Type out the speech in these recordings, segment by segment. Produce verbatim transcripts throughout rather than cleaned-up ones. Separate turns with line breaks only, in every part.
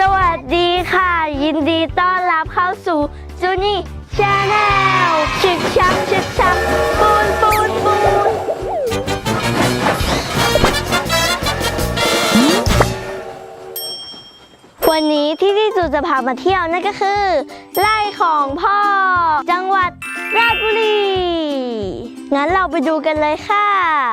วัสดีค่ะยินดีต้อนรับเข้าสู่จูนี่ชาแนลชึกชักชึกชักปูนปูนปูนวันนี้ที่ที่จูจะพามาเที่ยวนั่นก็คือไร่ของพ่อจังหวัดราชบุรีงั้นเราไปดูกันเลยค่ะ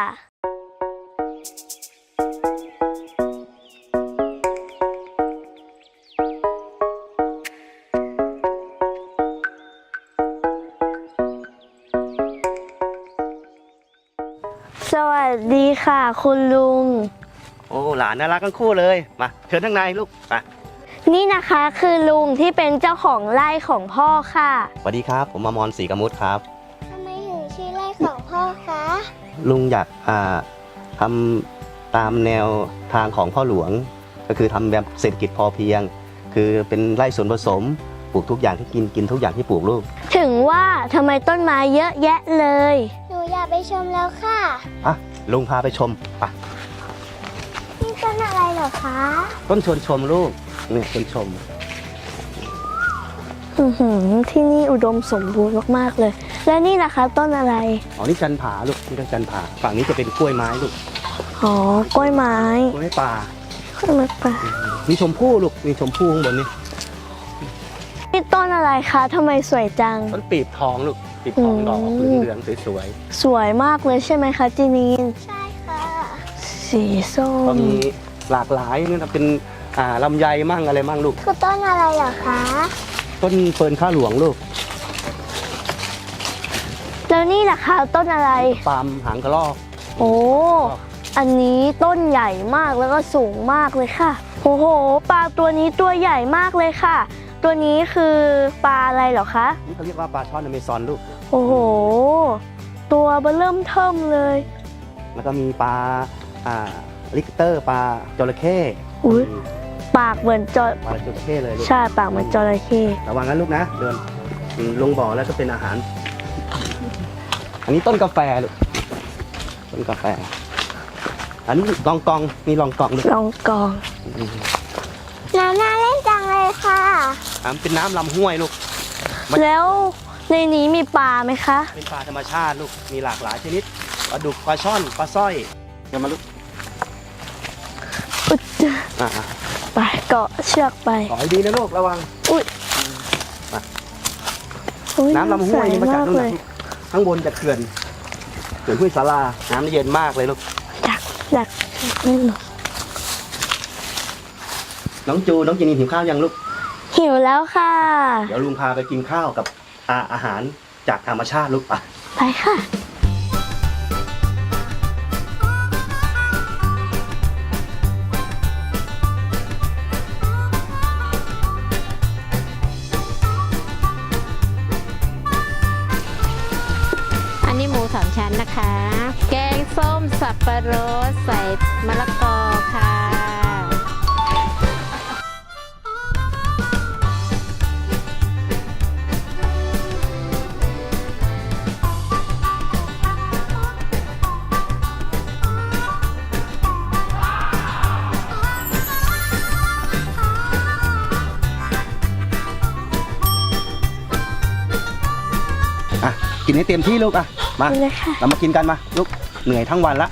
สวัสดีค่ะคุณลุง
โอ้หลานน่ารักทั้งคู่เลยมาเชิญข้างในลูกมา
นี่นะคะคือลุงที่เป็นเจ้าของไร่ของพ่อค่ะ
สวัสดีครับผมอมรศรีกมุตครับ
ทำไมถึงชื่อไร่ของพ่อคะ
ลุงอยากอ่าทำตามแนวทางของพ่อหลวงก็คือทำแบบเศรษฐกิจพอเพียงคือเป็นไร่สวนผสมปลูกทุกอย่างที่กินกินทุกอย่างที่ปลูกลูก
ถึงว่าทำไมต้นไม้เยอะแยะเลย
หนูอยากไปชมแล้วค่ะ
อ่ะลุงพาไปชมไป
นี่ต้นอะไรเหรอคะ
ต้นชวนชมลูกนี่ชวนชม
อือหือที่นี่อุดมสมบูรณ์มากๆเลยและนี่นะคะต้นอะไร
อ๋อนี่จันผาลูกนี่ก็จันผาฝั่งนี้จะเป็นกล้วยไม้ลูก
อ๋อกล้วยไม้
กล้วยป่าก
ล้วยไม้ป่า
มีชมพู่ลูกมีชมพู่ข้างบนนี่
นี่ต้นอะไรคะทำไมสวยจัง
ต้นปีบทองลูกปีบทองดอกเหลืองๆสวย
ๆสวยมากเลยใช่ไหมคะจีนีน
ใช่ค่ะ
สีส้ม
ก็มีหลากหลายนี่นะเป็นอ่าลำไยมั่งอะไรมั่งลูก
คือต้นอะไรเหรอคะ
ต้นเฟิร์นข้าหลวงลูก
แล้วนี่ล่ะคะต้นอะไร
ปาล์มหางกระรอก
โอ้อันนี้ต้นใหญ่มากแล้วก็สูงมากเลยค่ะโอ้โหปลาตัวนี้ตัวใหญ่มากเลยค่ะตัวนี้คือปลาอะไรเหรอคะ
นี่เขาเรียกว่าปลาช่อนอเมซอนลูก
โอ้โหตัวเบเริ่มเทิ่มเลย
แล้วก็มีปลาอ่าลิกเตอร์ปลาจระเข้
อุ้ยปากเหมือนจระ
ปลาจระเข้เลย
ใช่ปากเหมือนจระเข้
ระวังนะลูกนะเดินลงบ่อแล้วก็เป็นอาหารอันนี้ต้นกาแฟลูกต้นกาแฟอันนี้ลองกองนี่ลองกองลูก
ลองกอง
น้ำน่าเล่นจังเลยค่ะ
น้ำเป็นน้ำลำห้วยลูก
แล้วในนี้มีปลาไหมคะ
เป็นปลาธรรมชาติลูกมีหลากหลายชนิดปลาดุกปลาช่อนปลาสร้อยเดี๋ยวมาลูก
อุ๊ยไปเกาะเชือกไป
ขอให้ดีนะลูกระวัง
อุ้ย
น้ำลำห้วยนี่มาจากตรงไหนข้างบนจากเขื่อนเขื่อนห้วยสาราน้ำเย็นมากเลยลูก
จากจากนี่หรอ
น้องจูน้องจินีหิวข้าวยังลูก
หิวแล้วค่ะ
เดี๋ยวลุงพาไปกินข้าวกับอาอาหารจากธรรมชาติลูกไป
ไปค่ะ
อันนี้หมูสามชั้นนะคะแกงส้มสับปะรดใส่มะละกอค่ะ
กินให้เต็มที่ลูกอ่ะมาเรามากินกันมาลูกเหนื่อยทั้งวันละ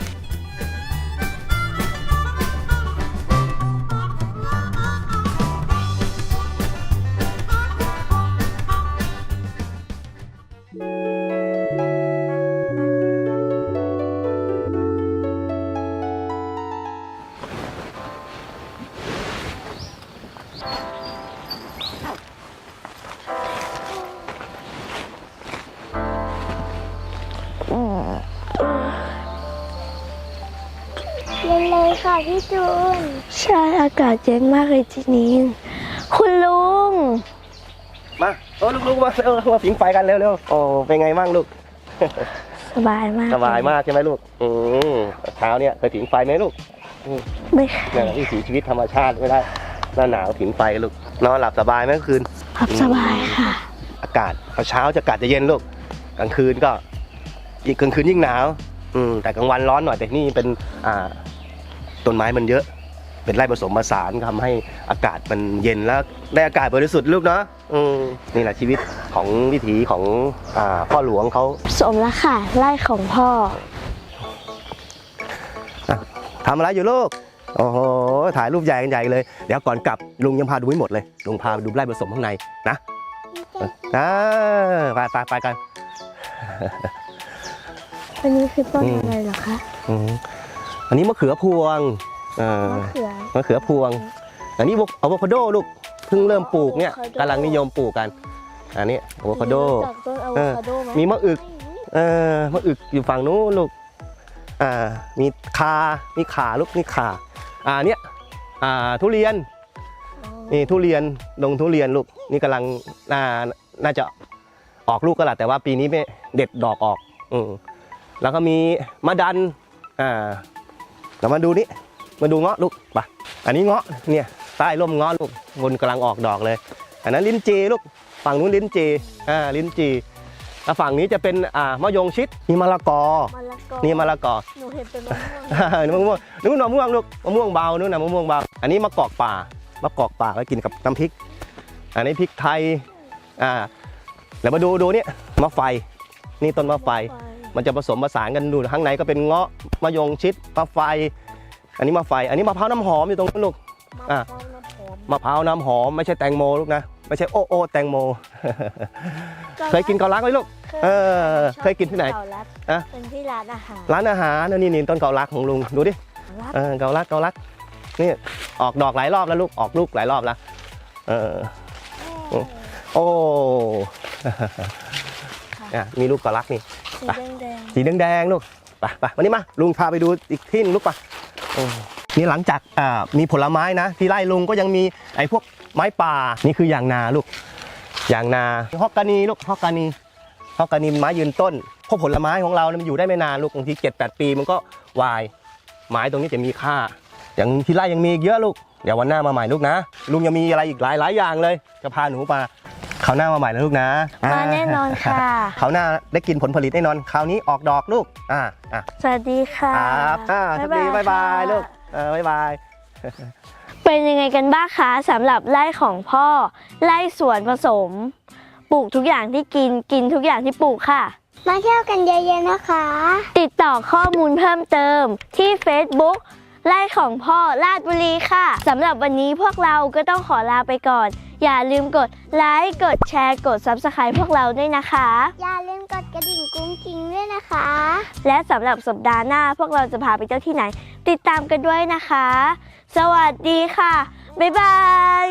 เย็นเลยค่ะพี่จูน
ใช่อากาศเย็นมากเลยทีนี้คุณลุง
มาโอ้ลูกๆมาเออมาผิงไฟกันเร็วๆโอ้เป็นไงบ้างลูก
สบายมาก
สบายมากใช่ไหมลูกอืมเช้าเนี่ยเคยผิงไฟไหมลูก
ไม่
เนี่ยวิถีชีวิตธรรมชาติไม่ได้หน้าหนาวผิงไฟลูกนอนหลับสบายไหมคืน
หลับสบายค่ะ
อากาศเช้าจะอากาศจะเย็นลูกกลางคืนก็อีกกลางคืนยิ่งหนาวอืมแต่กลางวันร้อนหน่อยแต่นี่เป็นอ่าต้นไม้มันเยอะ
เป็นไร่ผสมผสานทำให้อากาศมันเย็นแล้วได้อากาศบริสุทธิ์ลูกเนาะอืมนี่แหละชีวิตของวิถีของอ่าพ่อหลวงเขา
สมแล้วค่ะไร่ของพ่อ
ทำอะไรอยู่ลูกโอ้โหถ่ายรูปใหญ่กันใหญ่เลยเดี๋ยวก่อนกลับลุงยังพาดูไม่หมดเลยลุงพาไปดูไร่ผสมข้างในนะอ่าไปไปไปกัน
อันนี้คือต้น
อืม
อะไรเหรอคะ
อืมอันนี้มะเขือพวงอ่าม
ะเขือ
มะเขือพวง อันนี้อะโวคาโดลูกเพิ่งเริ่มปลูกเนี่ย
อะโวคาโด
กำลังนิยมปลูกกัน อันนี้อะโวคาโด
รู้จากต้นอะโวคาโดไหม
มีมะอึกเออมะอึกอยู่ฝั่งนู้นลูกอ่ามีคามีขาลูกนี่ขาอ่าเนี้ยอ่าทุเรียนนี่ทุเรียนดงทุเรียนลูกนี่กำลังน่าน่าจะออกลูกก็แหละแต่ว่าปีนี้ไม่เด็ดดอกออกอืมแล้วก็มีมะดันอ่าเรามาดูนี่มาดูเงาะลูกไปอันนี้เงาะเนี่ยใต้ร่มเงาะลูกบนกำลังออกดอกเลย อันนั้นลิ้นจีลูกฝั่งนู้นลิ้นจีอ่าลิ้นจีแล้วฝั่งนี้จะเป็นอ่ามะยงชิดนี่มะละกอ
มะละกอ
นี่มะละกอ
หนูเห็นเป็นมะม่วง
มะม่วงนู้นมะม่วงลูกมะม่วงเบานู้นนะมะม่วงเบาอันนี้มะกอกป่ามะกอกป่าไว้กินกับน้ำพริก อันนี้พริกไทยอ่าแล้วมาดูดูนี่มะไฟนี่ต้นมะไฟ มันจะผสมผสานกันดูข้างในก็เป็นเงาะมะยงชิดมะไฟ อันนี้มะไฟ อันนี้มะพร้าวน้ำหอมอยู่ตรงนั้นลูก อ่ะ มะพร้าวน้ำหอมไม่ใช่แตงโมลูกนะไม่ใช่โอโอแตงโม เคยกินเกาลัดไหมลูก เออเคยกินที่ไหน
เกาลัด
อะ
เป็นที่ร้านอาหาร
ร้านอาหารนี่นี่ต้นเกาลัดของลุงดูดิ
ร้าน
เออเกาลัดเกาลัดนี่ออกดอกหลายรอบแล้วลูกออกลูกหลายรอบแล้วเออโอ้อ่ะมีลูกเกาลัดนี่
สีแดง
สีแดงๆลูกไปไปวันนี้มาลุงพาไปดูอีกที่หนึงลูกไปโอ้นี่หลังจากอ่ามีผลไม้นะ ที่ไร่ลุงก็ยังมีไอ้พวกไม้ป่านี่คือยางนาลูกยางนาฮอกกานีลูกฮอกกานีฮอกกานีไม้ยืนต้นเพราะผลไม้ของเราเนี่ยมันอยู่ได้ไม่นานลูกบางทีเจ็ดแปดปีมันก็วายไม้ตรงนี้จะมีค่าอย่างที่ไร่ยังมีอีกเยอะลูกเดี๋ยววันหน้ามาใหม่ลูกนะลุงยังมีอะไรอีกหลายหลายอย่างเลยจะพาหนูมาคราวหน้ามาใหม่นะลูกนะ
ๆมาแน่นอนค่ะ
คราวหน้าได้กินผลผลิตแน่นอนคราวนี้ออกดอกลูกอ่าอ่ะ
สวัสดีค่ะ
ครับอ่าสวัสดีบ๊ายบาย
ค่ะ
ลูกเออบ๊ายบาย
เป็นยังไงกันบ้างคะสำหรับไร่ของพ่อไร่สวนผสม ปลูกทุกอย่างที่กินกินทุกอย่างที่ปลูกค่ะ
มาเที่ยวกันเยอะๆนะคะ
ติดต่อข้อมูลเพิ่มเติมที่ Facebook ไร่ของพ่อลาดบุรีค่ะสำหรับวันนี้พวกเราก็ต้องขอลาไปก่อน อย่าลืมกดไลค์กดแชร์กด ซับสไครบ์ พวกเราด้วยนะคะ
อย่าลืมกดกระดิ่งกุ้งกิ้งด้วยนะคะ
และสำหรับสัปดาห์หน้าพวกเราจะพาไปเที่ยวที่ไหน ติดตามกันด้วยนะคะ สวัสดีค่ะ บ๊ายบาย